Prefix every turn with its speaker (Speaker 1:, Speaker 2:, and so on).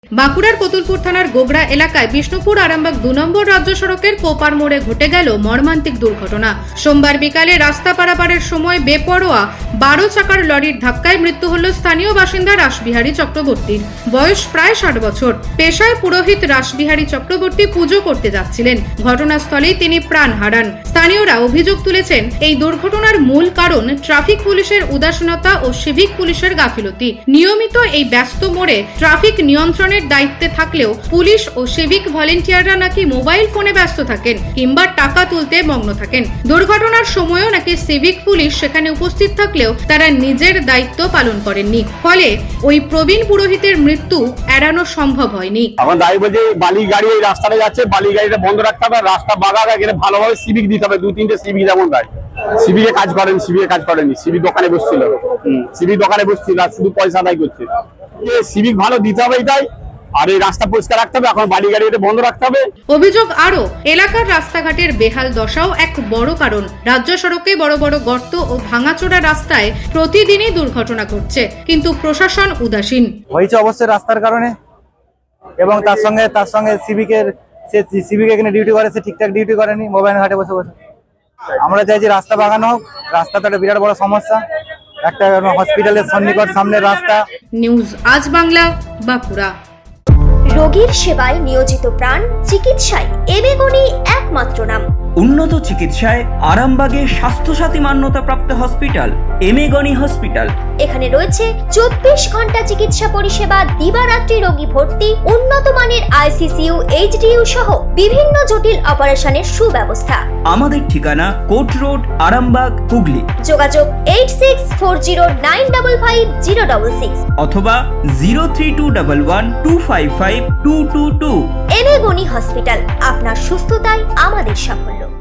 Speaker 1: বাঁকুড়ার কতুলপুর থানার গোগড়া এলাকায় বিষ্ণুপুর আরামবাগ 2 নম্বর রাজ্য সড়কের কোপার মোড়ে ঘটে গেল মর্মান্তিক দুর্ঘটনা। সোমবার বিকালে রাস্তা পারাপারের সময় বেপরোয়া 12 চাকার লরির ধাক্কায় মৃত্যু হল স্থানীয় বাসিন্দা রাসবিহারী চক্রবর্তীর। বয়স প্রায় 60 বছর। পেশায় পুরোহিত রাসবিহারী চক্রবর্তী পুজো করতে যাচ্ছিলেন। ঘটনাস্থলেই তিনি প্রাণ হারান। স্থানীয়রা অভিযোগ তুলেছেন, এই দুর্ঘটনার মূল কারণ ট্রাফিক পুলিশের উদাসীনতা ও সিভিক পুলিশের গাফিলতি। নিয়মিত এই ব্যস্ত মোড়ে ট্রাফিক নিয়ন্ত্রণের দায়িত্বে থাকলেও পুলিশ ও সিভিক ভলেন্টিয়াররা নাকি মোবাইল ফোনে ব্যস্ত থাকেন কিংবা টাকা তুলতে মগ্ন থাকেন। দুর্ঘটনার সময়ও নাকি সিভিক পুলিশ সেখানে উপস্থিত থাকলেও তারা নিজের দায়িত্ব পালন করেননি। ফলে ওই প্রবীণ পুরোহিতের মৃত্যু এড়ানো সম্ভব হয়নি।
Speaker 2: আমার দাবি বলছে, বালি গাড়ি এই রাস্তাটা যাচ্ছে, বালি গাড়িটা বন্ধ রাখতে হবে, রাস্তা বাগা গেলে ভালোভাবে সিভিক দিতে হবে। 2-3টে সিভিক যেমন দেয়, সিভিকে কাজ করেনি, সিভিক দোকানে বসছিল, আর শুধু পয়সা আদায় করছে। সিভিক ভালো দিতে হবে এটাই, আর এই রাস্তা পরিষ্কার রাখতে হবে, এখন বালি গাড়ি বন্ধ রাখতে হবে।
Speaker 1: অভিযোগ আরো, এলাকার রাস্তাঘাটের বেহাল দশাও এক বড় কারণ। রাজ্য সড়কে বড় বড় গর্ত ও ভাঙাচোরা রাস্তায় প্রতিদিনই দুর্ঘটনা ঘটছে, কিন্তু প্রশাসন উদাসীন।
Speaker 3: হয়েছে অবশ্যই রাস্তার কারণে, এবং তার সঙ্গে সিভিক এখানে ডিউটি করে, সে ঠিকঠাক ডিউটি করেনি, মোবাইল ঘাটে বসে। আমরা চাইছি রাস্তা বাগানো হোক। রাস্তা তো একটা বিরাট বড় সমস্যা, একটা হসপিটালের সন্নিকট সামনের রাস্তা।
Speaker 1: নিউজ আজ বাংলা, বাঁকুড়া।
Speaker 4: রোগীর সেবায় নিয়োজিত প্রাণ, চিকিৎসায় এবেগুনি একমাত্র নাম।
Speaker 5: উন্নত চিকিৎসায় আরামবাগে স্বাস্থ্যসাথী মান্যতাপ্রাপ্ত হসপিটাল এমেগনি হসপিটাল।
Speaker 4: এখানে রয়েছে 24 ঘন্টা চিকিৎসা পরিষেবা, দিবারাত্রি রোগী ভর্তি, উন্নত মানের আইসিইউ, এইচডিইউ সহ বিভিন্ন জটিল অপারেশনের সুব্যবস্থা।
Speaker 5: আমাদের ঠিকানা কোট রোড, আরামবাগ, হুগলি।
Speaker 4: যোগাযোগ 8640955066
Speaker 5: অথবা 03211255222।
Speaker 4: এবেগুনি হসপিটাল, আপনার সুস্থতাই আমাদের সাফল্য।